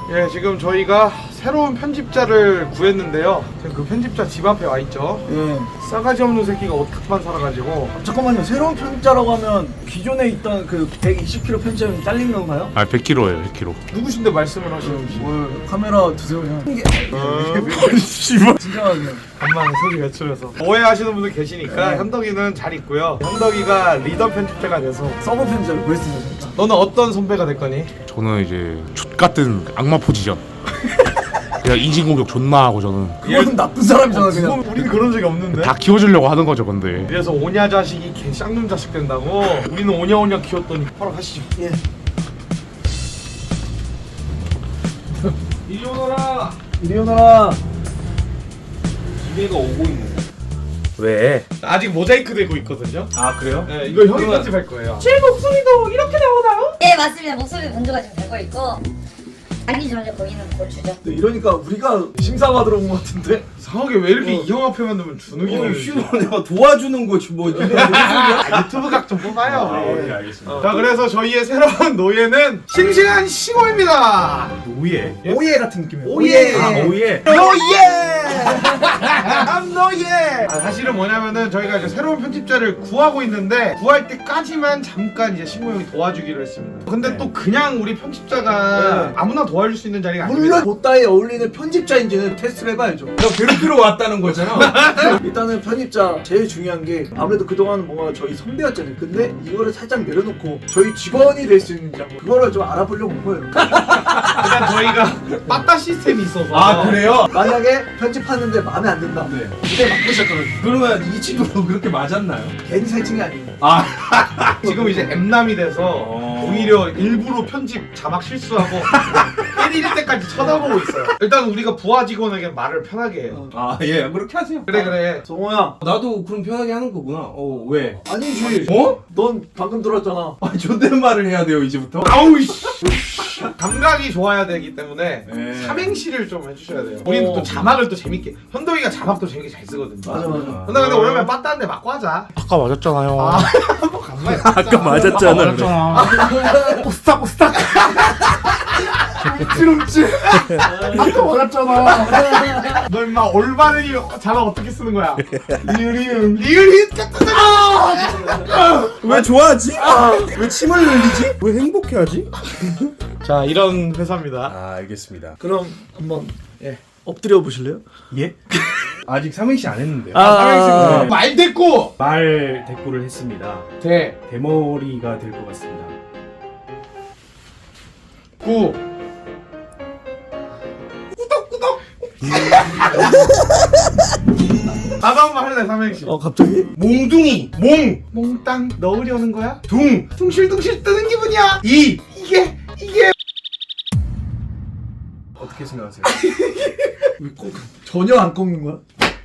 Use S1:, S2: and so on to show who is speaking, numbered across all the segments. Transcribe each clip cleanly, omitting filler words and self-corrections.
S1: 예, 지금 저희가 새로운 편집자를 구했는데요. 지금 그 편집자 집 앞에 와 있죠.
S2: 예.
S1: 싸가지 없는 새끼가 오탁만 살아가지고.
S2: 잠깐만요. 새로운 편집자라고 하면 기존에 있던 그 120kg 편집자는 잘린 건가요?
S3: 아 100kg예요 100kg.
S1: 누구신데 말씀을 하시는지.
S2: 뭘 카메라 드세요 그냥.
S3: 씨발.
S2: 진정하게.
S1: 간만에 소리 외출해서 오해하시는 분들 계시니까 현덕이는 잘 있고요. 현덕이가 리더 편집자가 돼서.
S2: 서브 편집자를 구했습니다. 진짜.
S1: 너는 어떤 선배가 될 거니?
S3: 저는 이제 족같은 악마 포지션. 그냥 인신공격 존나 하고 저는
S2: 그건 나쁜 사람이잖아 그냥.
S1: 우리는 그런 적이 없는데.
S3: 다 키워주려고 하는 거죠 근데.
S1: 그래서 오냐 자식이 개 쌍놈 자식 된다고. 우리는 오냐 키웠더니 허락하시죠.
S2: 예.
S1: 이리 오너라.
S2: 이리 오너라.
S1: 기계가 오고 있는.
S3: 왜?
S1: 아직 모자이크 되고 있거든요.
S3: 아 그래요?
S1: 네, 이거 형이 편집할 거예요.
S4: 제 목소리도 이렇게 나오나요? 예, 맞습니다. 목소리 변조가 지금 되고 있고 아니 전에 보이는 고추죠.
S2: 이러니까 우리가 심사받으러 온 것 같은데.
S1: 이상하게 왜 이렇게 이 형 앞에만 두면 주눅이 드는
S5: 내가 도와주는 거지 뭐. 니네 무슨 소리야?
S1: 유튜브 각 좀 뽑아요.
S3: 네 알겠습니다.
S1: 자, 그래서 저희의 새로운 노예는 싱싱한 싱어입니다.
S3: 노예?
S2: 오예 같은 느낌이에요.
S1: 오예.
S3: 아 노예?
S1: 남 노예. 사실은 뭐냐면은 저희가 이제 새로운 편집자를 구하고 있는데 구할 때까지만 잠깐 이제 신고 형이 도와주기로 했습니다. 근데 또 그냥 우리 편집자가 아무나 도와줄 수 있는 자리가 아닙니다.
S2: 물론 보따에 어울리는 편집자인지는 테스트를 해봐야죠.
S5: 너 괴롭히러 왔다는 거잖아.
S2: 일단은 편집자 제일 중요한 게 아무래도 그동안 뭔가 저희 선배였잖아요. 근데 이거를 살짝 내려놓고 저희 직원이 될 수 있는지 한번 그거를 좀 알아보려고 온 거예요.
S1: 일단 저희가 빠따 시스템이 있어서.
S5: 아 그래요?
S2: 만약에 편집하는데 마음에 안 든다.
S5: 네.
S2: 그때 맞고 시작하거든요.
S5: 그러면 이 친구도 그렇게 맞았나요?
S2: 괜히 살찐 게 아니에요.
S5: 아
S1: 지금 이제 M남이 돼서 오히려 일부러 편집 자막 실수하고 때릴 때까지 쳐다보고 있어요. 일단 우리가 부하 직원에게 말을 편하게 해요.
S5: 예, 그렇게 하세요.
S1: 그래.
S2: 성호야.
S5: 나도 그럼 편하게 하는 거구나. 왜?
S2: 아니지.
S5: 어?
S2: 넌 방금 들었잖아.
S5: 아 존댓말을 해야 돼요 이제부터?
S1: 아우 씨. 감각이 좋아야 되기 때문에
S5: 네.
S1: 삼행시를 좀 해주셔야 돼요. 우리는 또 자막을 또 재밌게. 현덕이가 자막도 재밌게 잘 쓰거든요.
S2: 맞아.
S1: 근데 오랜만에 빠따한데 맞고 하자.
S3: 아까 맞았잖아요.
S1: 한번 간만에.
S3: 아까 맞았잖아.
S1: 오스탁. 움찔. 아까 맞았잖아. 너 임마 올바른 자막 어떻게 쓰는 거야? 리을이응.
S5: 왜 좋아하지? 왜 침을 흘리지? 왜 행복해하지?
S1: 자, 이런 회사입니다.
S5: 아 알겠습니다.
S2: 그럼 한번 엎드려 보실래요?
S5: 예? 아직 삼행시 안 했는데요.
S1: 삼행시구나.
S5: 네.
S1: 말 됐고.
S5: 말 대꾸를 했습니다.
S1: 대.
S5: 대머리가 될 것 같습니다.
S1: 구. 나도 한번 할래 삼행시.
S2: 갑자기?
S5: 몽둥이.
S1: 몽땅 넣으려는 거야?
S5: 둥.
S1: 둥실둥실 뜨는 기분이야. 이게
S5: 어떻게 생각하세요?
S2: 전혀 안 꺾는 거야?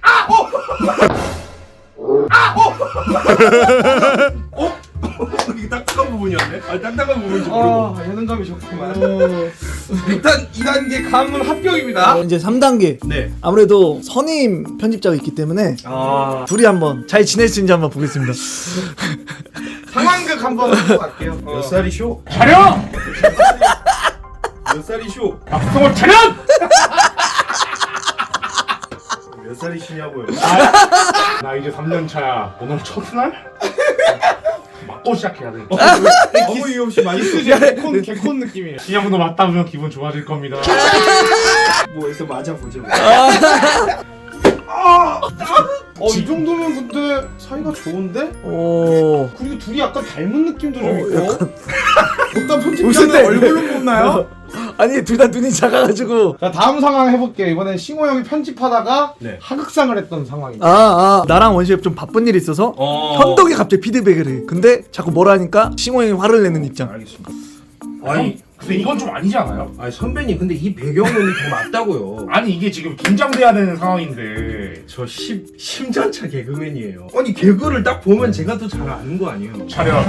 S5: 이게 딱딱한 부분이었네? 아 딱딱한 부분인지 모르고.
S1: 예능감이 좋구만. 일단 2단계 감은 합격입니다.
S2: 이제 3단계.
S5: 네.
S2: 아무래도 선임 편집자가 있기 때문에
S5: 아
S2: 둘이 한번 잘 지낼 수 있는지 한번 보겠습니다.
S1: 상황극 한번 하고 갈게요.
S5: 몇 살이쇼?
S1: 차려!
S5: 몇 살이쇼?
S1: 박성호 차려!
S5: 몇 살이시냐고요?
S3: 나 이제 3년 차야. 오늘 첫날? 맞고 시작해야 돼.
S5: 아무 이유 없이 많이 쓰지.
S1: 개콘 느낌이에요.
S3: 이 형도 맞다면 기분 좋아질 겁니다.
S5: 뭐해서 맞아보죠.
S1: 이 정도면 근데 사이가 좋은데?
S2: 오.
S1: 그리고 둘이 약간 닮은 느낌도 좀 있고.
S2: 약간.
S1: 어떤
S2: 웃을
S1: 편집자는
S2: 때.
S1: 얼굴로 뽑나요?
S2: 아니 둘 다 눈이 작아가지고.
S1: 자, 다음 상황 해볼게요. 이번엔 싱호 형이 편집하다가
S5: 네.
S1: 하극상을 했던 상황입니다.
S2: 나랑 원시엽 좀 바쁜 일이 있어서 현덕이 갑자기 피드백을 해. 근데 자꾸 뭐라 하니까 싱호 형이 화를 내는 입장.
S5: 알겠습니다.
S3: 아니 근데 이건 좀 아니지 않아요?
S5: 아니 선배님 근데 이 배경음이 더 맞다고요.
S3: 아니 이게 지금 긴장돼야 되는 상황인데.
S5: 저 심전차 개그맨이에요. 아니 개그를 딱 보면 제가 더 잘 아는 거 아니에요?
S3: 차려.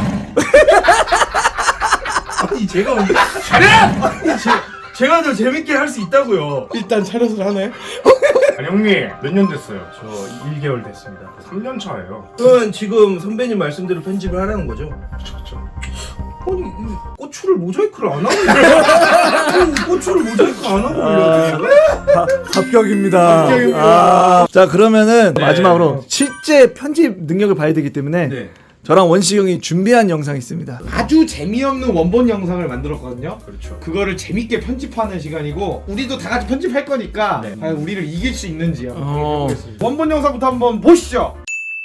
S5: 아니 제가 언제
S3: 차려!
S5: 아니 제가 더 재밌게 할 수 있다고요.
S1: 일단 차렷을 하네.
S3: 아니 형님 몇 년 됐어요?
S5: 저 1개월 됐습니다.
S3: 3년 차예요.
S5: 그건 지금 선배님 말씀대로 편집을 하라는 거죠?
S3: 그쵸.
S5: 아니 이 고추를 모자이크를 안 하고 아니, 고추를 모자이크 안 하고 올려야 돼?
S2: 합격입니다. 자 그러면은 마지막으로 실제 편집 능력을 봐야 되기 때문에
S5: 네.
S2: 저랑 원식이 형이 준비한 영상이 있습니다.
S1: 아주 재미없는 원본 영상을 만들었거든요.
S5: 그렇죠.
S1: 그거를 재밌게 편집하는 시간이고 우리도 다 같이 편집할 거니까
S5: 네.
S1: 과연 우리를 이길 수 있는지 한번
S2: 어.
S1: 해보겠습니다. 원본 영상부터 한번 보시죠.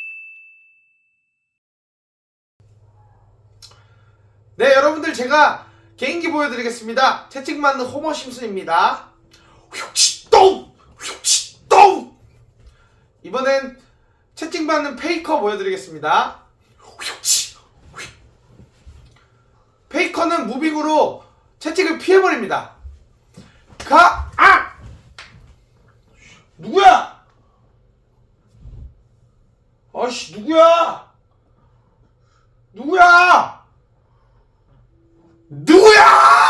S1: 네, 여러분들 제가 개인기 보여드리겠습니다. 채찍 맞는 호머 심슨입니다. 휘옥치똥! 휘옥치똥! 이번엔 채찍 맞는 페이커 보여드리겠습니다. 휘옥치! 휘. 페이커는 무빙으로 채찍을 피해버립니다. 가! 아! 누구야? 아씨 누구야? 누구야? 누구야?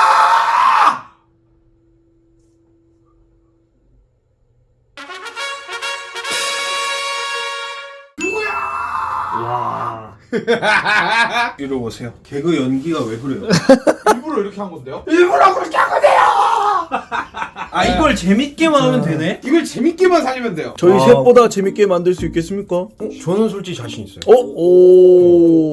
S5: 와. 이리 오세요. 개그 연기가 왜 그래요?
S1: 일부러 이렇게 한 건데요? 일부러 그렇게 한 건데요!
S5: 아 이걸 재밌게만 하면 되네?
S1: 이걸 재밌게만 살리면 돼요.
S2: 저희
S5: 아.
S2: 셋보다 재밌게 만들 수 있겠습니까?
S5: 저는 솔직히 자신 있어요.
S2: 오.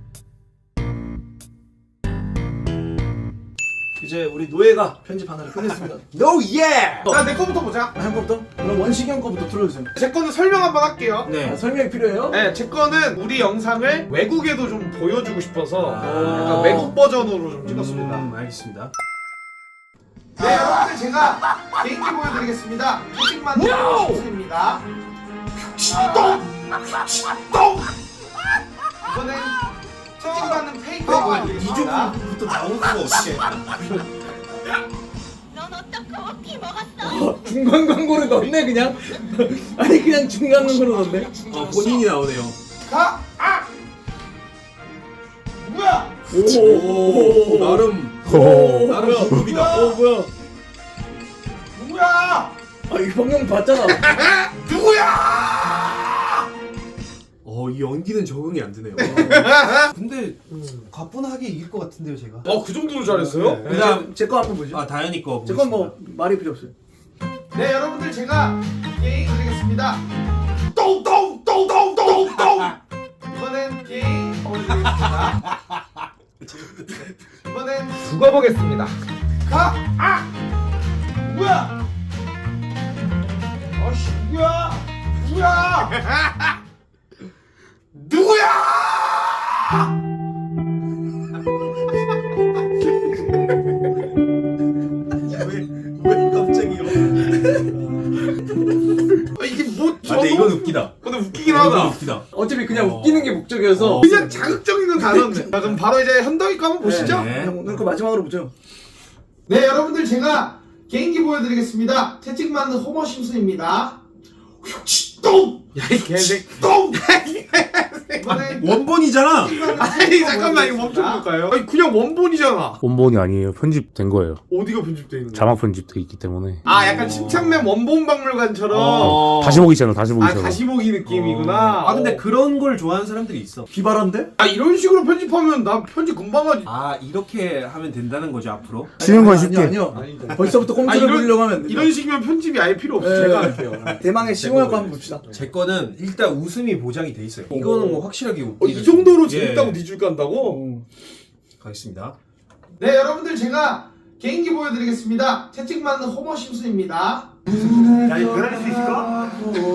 S2: 이제 우리 노예가 편집 하나를 끝냈습니다.
S5: 노 예!
S1: 자, 내 거부터 보자.
S2: 한 거부터? 그럼 원식이 형 거부터 틀어주세요.
S1: 제 거는 설명 한번 할게요.
S5: 네.
S2: 설명이 필요해요?
S1: 네, 제 거는 우리 영상을 외국에도 좀 보여주고 싶어서
S5: 아.
S1: 약간 외국 버전으로 좀 찍었습니다.
S5: 알겠습니다.
S1: 네, 여러분들 제가 개인기 보여드리겠습니다. 채찍만 심슨입니다. 똥! 똥! 이번엔 채찍 맞는 페이커 보여드리겠습니다.
S5: 이쪽부터 나오는 수가 없게.
S6: 넌 어떡하고 피 먹었어?
S2: 중간 광고를 넣네 그냥? 아니 그냥 중간 광고를 넣네?
S5: 본인이 나오네요.
S1: 가! 아! 누구야?
S5: 오, 나름 나름 기법이다.
S2: 뭐야?
S1: 누구야?
S2: 아 이거 방금 봤잖아.
S1: 누구야?
S5: 이 연기는 적응이 안 되네요. 근데 가뿐하게 이길 것 같은데요, 제가.
S1: 그 정도로 잘했어요?
S5: 그다음
S2: 제 거 한번 보죠.
S5: 다현이 거.
S2: 제 건 뭐 말이 필요 없어요.
S1: 네, 여러분들 제가 게임 드리겠습니다. 똥똥똥똥똥똥. 이번엔 게임 보여드리겠습니다. 이번엔 죽어보겠습니다. 가! 아! 누구야? 아씨 누구야? 누구야? 누구야?
S5: 왜 갑자기요?
S1: 이게 뭐
S5: 근데 이건 웃기다.
S1: 근데 웃기긴
S5: 이건
S1: 하다.
S5: 웃기다.
S2: 어차피 그냥 웃기는 게 목적이어서.
S1: 그냥 자극적인 건 단어인데. 자, 그럼 바로 이제 현덕이 거 한번 보시죠.
S5: 네.
S2: 형 오늘 거 마지막으로 보죠.
S1: 네, 여러분들 제가 개인기 보여드리겠습니다. 채찍 맞는 호머 심슨입니다. 똥! 야, 이 개새끼. 똥! 이번엔
S5: 원본이잖아.
S1: 아니, 잠깐만, 이거 멈춰볼까요? 아니, 그냥 원본이잖아.
S7: 원본이 아니에요. 편집된 거예요.
S1: 어디가 편집되어 있는 거야?
S7: 자막 편집돼 있기 때문에.
S1: 아, 약간 침착맨 원본 박물관처럼.
S7: 다시 보기처럼 다시 보기처럼.
S1: 다시 보기 느낌이구나.
S5: 아 근데 그런 걸 좋아하는 사람들이 있어.
S2: 비발한데?
S1: 이런 식으로 편집하면 나 편집 금방 하지.
S5: 아 이렇게 하면 된다는 거죠 앞으로?
S7: 쉬는 건 쉽게.
S2: 아니요.
S1: 아니다.
S2: 벌써부터 꼼수를 부리려고 하면 안 돼요.
S1: 이런 식이면 편집이 아예 필요 없어.
S2: 네.
S1: 제가 할게요.
S2: 대망의 시공할 거 한번 봅시다.
S5: 제 거는 일단 웃음이 보장이 돼 있어요. 이거는 뭐 확실하게
S1: 이 정도로
S5: 예.
S1: 재밌다고 니줄 간다고?
S5: 가겠습니다.
S1: 네, 여러분들 제가 개인기 보여드리겠습니다. 채찍 맞는 호머 심슨입니다. 야, 이거 변할 수 있을까?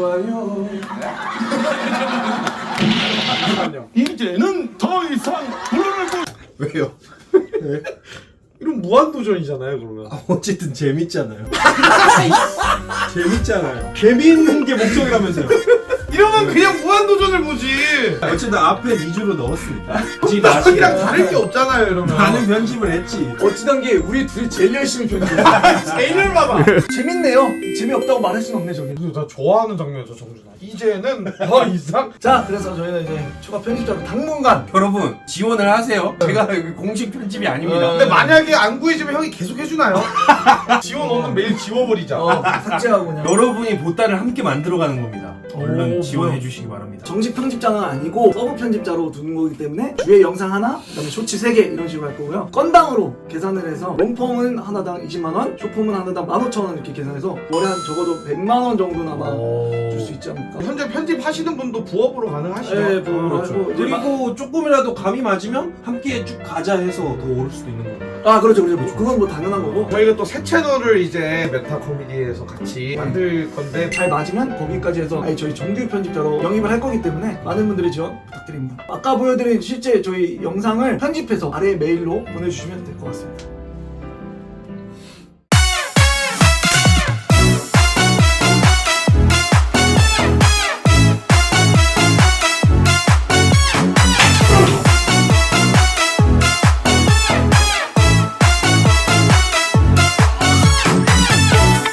S1: 이제는 더 이상 물러날 것.
S5: 왜요?
S1: 이런 무한도전이잖아요, 그러면.
S5: 어쨌든 재밌잖아요. 재밌잖아요. 재미있는 게 목적이라면서요.
S1: 이러면 그냥 무한도전을 보지.
S5: 어쨌든 앞에 2주로 넣었으니까.
S1: 나랑 다를 게 없잖아요, 이러면.
S5: 나는 편집을 했지.
S2: 어찌된 게 우리 둘이 제일 열심히 편집해.
S1: 제일 열받아.
S2: 재밌네요. 재미없다고 말할 순 없네 저기.
S1: 나 좋아하는 장면이죠, 정준아. 이제는 더 이상.
S2: 자 그래서 저희는 이제 추가 편집자로 당분간
S5: 여러분 지원을 하세요. 제가 여기 공식 편집이 아닙니다.
S1: 근데 만약에 안 구해지면 형이 계속 해주나요? 지원 없는 메일 지워버리자.
S2: 삭제하고 그냥.
S5: 여러분이 보따를 함께 만들어가는 겁니다. 얼른
S2: 오,
S5: 지원해
S2: 뭐야?
S5: 주시기 바랍니다.
S2: 정식 편집자는 아니고 서브 편집자로 두는 거기 때문에 주에 영상 하나, 그다음에 쇼츠 3개 이런 식으로 할 거고요. 건당으로 계산을 해서 롱폼은 하나당 20만원, 숏폼은 하나당 15,000원 이렇게 계산해서 월에 한 적어도 100만원 정도는 아마 줄 수 있지 않을까.
S1: 현재 편집하시는 분도 부업으로 가능하시죠?
S2: 네, 부업으로
S5: 그렇죠.
S2: 하고 이제
S5: 그리고 조금이라도 감이 맞으면 함께 쭉 가자 해서 더 오를 수도 있는 거예요.
S2: 아 그렇죠. 그건 뭐 당연한 거고.
S1: 저희가 또 새 채널을 이제 메타 코미디에서 같이 만들 건데
S2: 잘 맞으면 거기까지 해서 아예 저희 정규 편집자로 영입을 할 거기 때문에 많은 분들의 지원 부탁드립니다. 아까 보여드린 실제 저희 영상을 편집해서 아래 메일로 보내주시면 될 것 같습니다.